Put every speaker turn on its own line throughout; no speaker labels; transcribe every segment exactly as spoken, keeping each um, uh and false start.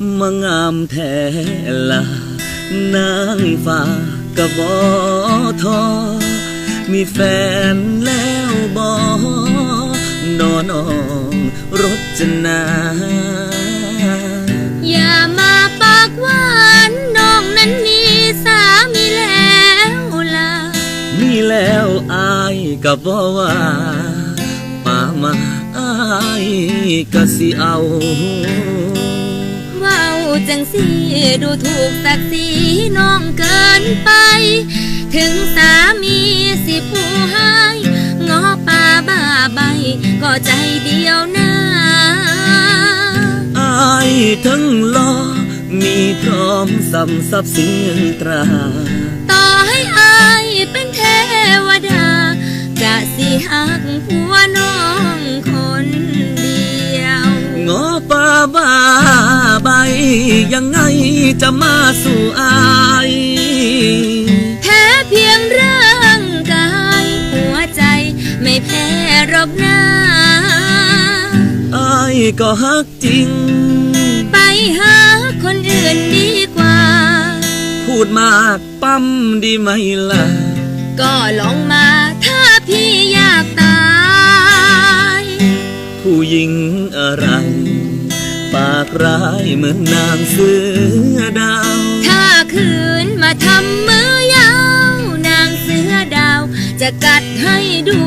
มางามแท้ละนางฟ้ากะบ่ท้อมีแฟนแล้วบ่นอน้องรจนา
อย่ามาปากหวานน้องนั้นมีสามีแล้วล่ะ
มีแล้วอายก็บ่ว่าป่ามาอายก็สิเอา
ว้าวจังสิดูถูกศักดิ์ศรีน้องเกินไปถึงสามีสิผู้ให้งอป่าบ้าใบก็ใจเดียวนะ
อายทั้งหล่อมีพร้อมสำทรัพย์สินเงินตรา
ต่อให้อายเป็นเทวดาจะสิหักผัวน้องคนเดียว
งอป่าบ้าใบยังไงจะมาสู่อาย
แพ้เพียงร่างกายหัวใจไม่แพ้หรอกนะ
อายก็ฮักจริง
ไปหาคนอื่นดีกว่า
พูดมากปั๊มดีไหมล่ะ
ก็ลองมาถ้าพี่อยากตาย
ผู้หญิงอะไรปากร้ายเหมือนนางเสือดาว
ถ้าคืนมาทำมือยาวนางเสือดาวจะกัดให้ดู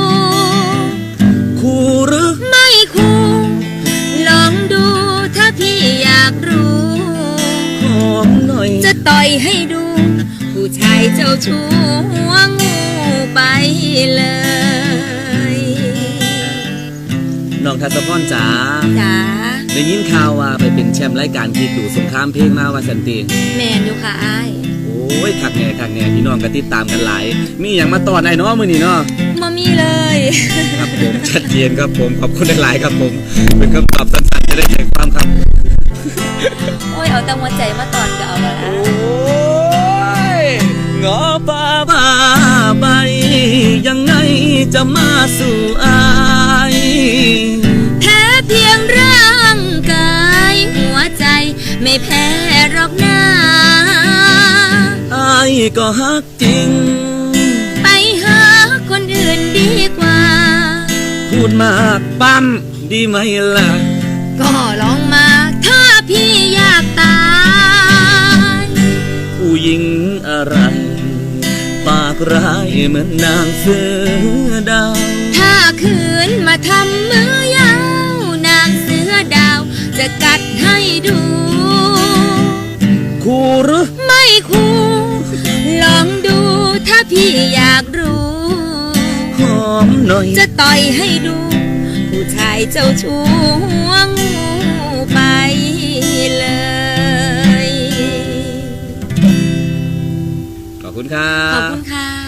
คู่หรือ
ไม่คู่ลองดูถ้าพี่อยากรู้
หอมหน่อย
จะต่อยให้ดูผู้ชายเจ้าชู้หัวงูไปเลย
น้องทัศพรจ๋า
จ๋า
ได้ยินข่าวว่าไปเป็นแชมป์รายการที่ดูสงครามเพลงมาว่าสันติ
แมนอยู่ค่ะอ้าย
โอ้ยคักแน่คักแน่พี่น้องก็ติดตามกันหลายมีอย่างมาตอนไหนเนาะมื้อนี้เนาะ
บ่มีเลย
ครับผมชัดเจนครับผมขอบคุณหลายๆครับผมเป็นคำตอบสั้นๆจะได้ใจความครับ
โอ้ยเอาแต่หัวใจมาตอนก็เอาแล้วนะ
โอ้ยงอป่าบ้าใบยังไงจะมาสู่อาย
แพ้เพียงร่างกายหัวใจไม่แพ้หรอกนะ
อายก็ฮักจริง
ไปหาคนอื่นดีกว่า
พูดมากปั๊มดีไหมล่ะ
ก็ลองมาถ้าพี่อยากตาย
ผู้หญิงอะไรปากร้ายเหมือนนางเสือดาว
ถ้าคืนมาทำมือยาวนางเสือดาวจะกัดให้ดู
คู่หรือ
ไม่คู่ลองดูถ้าพี่อยากรู้
หอมหน่อย
จะต่อยให้ดูผู้ชายเจ้าชู้หัวงูไปเลย
ขอบคุณครับ
ขอบคุณค่ะ